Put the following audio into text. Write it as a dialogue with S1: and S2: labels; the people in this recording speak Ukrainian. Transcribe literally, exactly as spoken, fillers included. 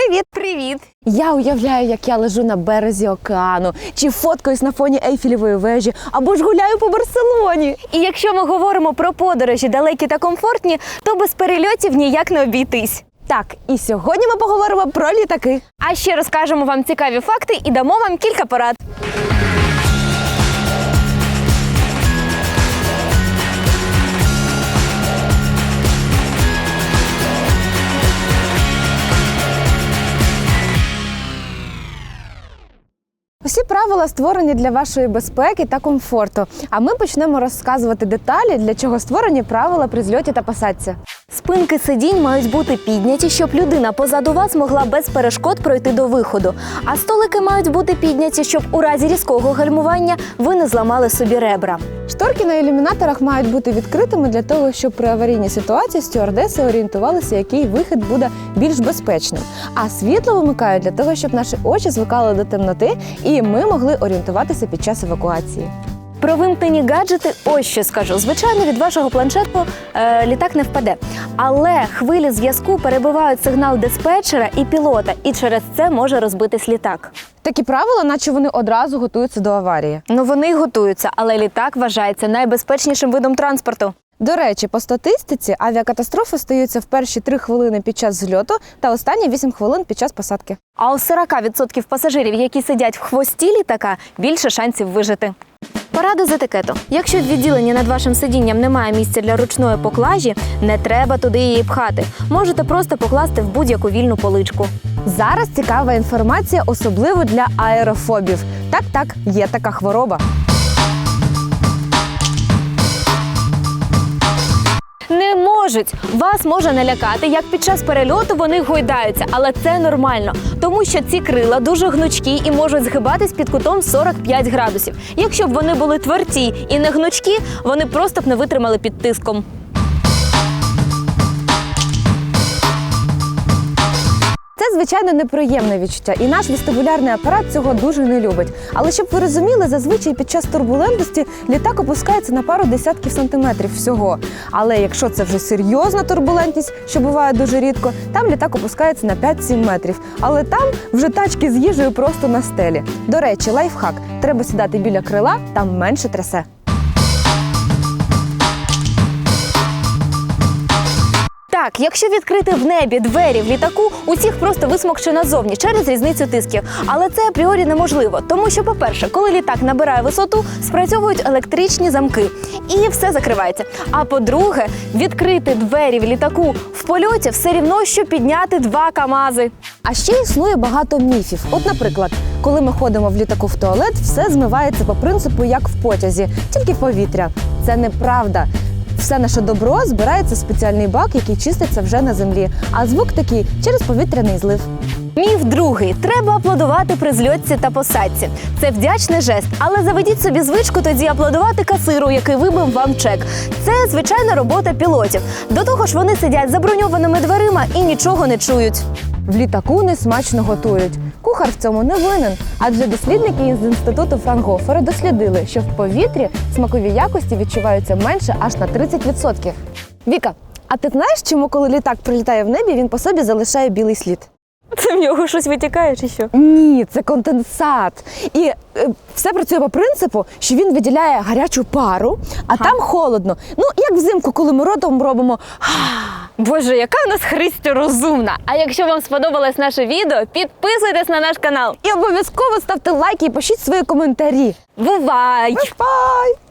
S1: Привіт!
S2: Привіт!
S1: Я уявляю, як я лежу на березі океану, чи фоткаюсь на фоні Ейфелевої вежі, або ж гуляю по Барселоні.
S2: І якщо ми говоримо про подорожі далекі та комфортні, то без перельотів ніяк не обійтись.
S1: Так, і сьогодні ми поговоримо про літаки.
S2: А ще розкажемо вам цікаві факти і дамо вам кілька порад.
S1: Усі правила створені для вашої безпеки та комфорту. А ми почнемо розказувати деталі, для чого створені правила при зльоті та посадці.
S2: Спинки сидінь мають бути підняті, щоб людина позаду вас могла без перешкод пройти до виходу. А столики мають бути підняті, щоб у разі різкого гальмування ви не зламали собі ребра.
S1: Шторки на ілюмінаторах мають бути відкритими для того, щоб при аварійній ситуації стюардеси орієнтувалися, який вихід буде більш безпечним. А світло вимикають для того, щоб наші очі звикали до темноти і ми могли орієнтуватися під час евакуації.
S2: Про вимкнені гаджети ось що скажу. Звичайно, від вашого планшету е, літак не впаде. Але хвилі зв'язку перебивають сигнал диспетчера і пілота, і через це може розбитись літак.
S1: Такі правила, наче вони одразу готуються до аварії.
S2: Ну вони й готуються, але літак вважається найбезпечнішим видом транспорту.
S1: До речі, по статистиці авіакатастрофи стаються в перші три хвилини під час зльоту та останні вісім хвилин під час посадки.
S2: А у сорок відсотків пасажирів, які сидять в хвості літака, більше шансів вижити. Порада з етикету. Якщо в відділенні над вашим сидінням немає місця для ручної поклажі, не треба туди її пхати. Можете просто покласти в будь-яку вільну поличку.
S1: Зараз цікава інформація, особливо для аерофобів. Так-так, є така хвороба.
S2: Не можуть! Вас може налякати, як під час перельоту вони гойдаються, але це нормально, тому що ці крила дуже гнучкі і можуть згибатись під кутом сорок п'ять градусів. Якщо б вони були тверді і не гнучкі, вони просто б не витримали під тиском.
S1: Це, звичайно, неприємне відчуття, і наш вестибулярний апарат цього дуже не любить. Але щоб ви розуміли, зазвичай під час турбулентності літак опускається на пару десятків сантиметрів всього. Але якщо це вже серйозна турбулентність, що буває дуже рідко, там літак опускається на п'ять-сім метрів. Але там вже тачки з їжею просто на стелі. До речі, лайфхак – треба сідати біля крила, там менше трясе.
S2: Так, якщо відкрити в небі двері в літаку, усіх просто висмокче назовні через різницю тисків. Але це апріорі неможливо, тому що, по-перше, коли літак набирає висоту, спрацьовують електричні замки і все закривається. А по-друге, відкрити двері в літаку в польоті все рівно, що підняти два КАМАЗи.
S1: А ще існує багато міфів. От, наприклад, коли ми ходимо в літаку в туалет, все змивається по принципу, як в потязі, тільки повітря. Це неправда. Все наше добро збирається в спеціальний бак, який чиститься вже на землі. А звук такий – через повітряний злив.
S2: Міф другий. Треба аплодувати при зльотці та посадці. Це вдячний жест, але заведіть собі звичку тоді аплодувати касиру, який вибив вам чек. Це звичайна робота пілотів. До того ж вони сидять за броньованими дверима і нічого не чують.
S1: В літаку не смачно готують. Кухар в цьому не винен, адже дослідники із інституту Франгофера дослідили, що в повітрі смакові якості відчуваються менше аж на тридцять відсотків. Віка, а ти знаєш, чому коли літак прилітає в небі, він по собі залишає білий слід?
S2: Це в нього щось витікає чи що?
S1: Ні, це конденсат. І е, все працює по принципу, що він виділяє гарячу пару, а ага. там холодно. Ну, як взимку, коли ми ротом робимо
S2: Боже, яка у нас Христя розумна! А якщо вам сподобалось наше відео, підписуйтесь на наш канал.
S1: І обов'язково ставте лайки і пишіть свої коментарі.
S2: Бувай!
S1: Бай!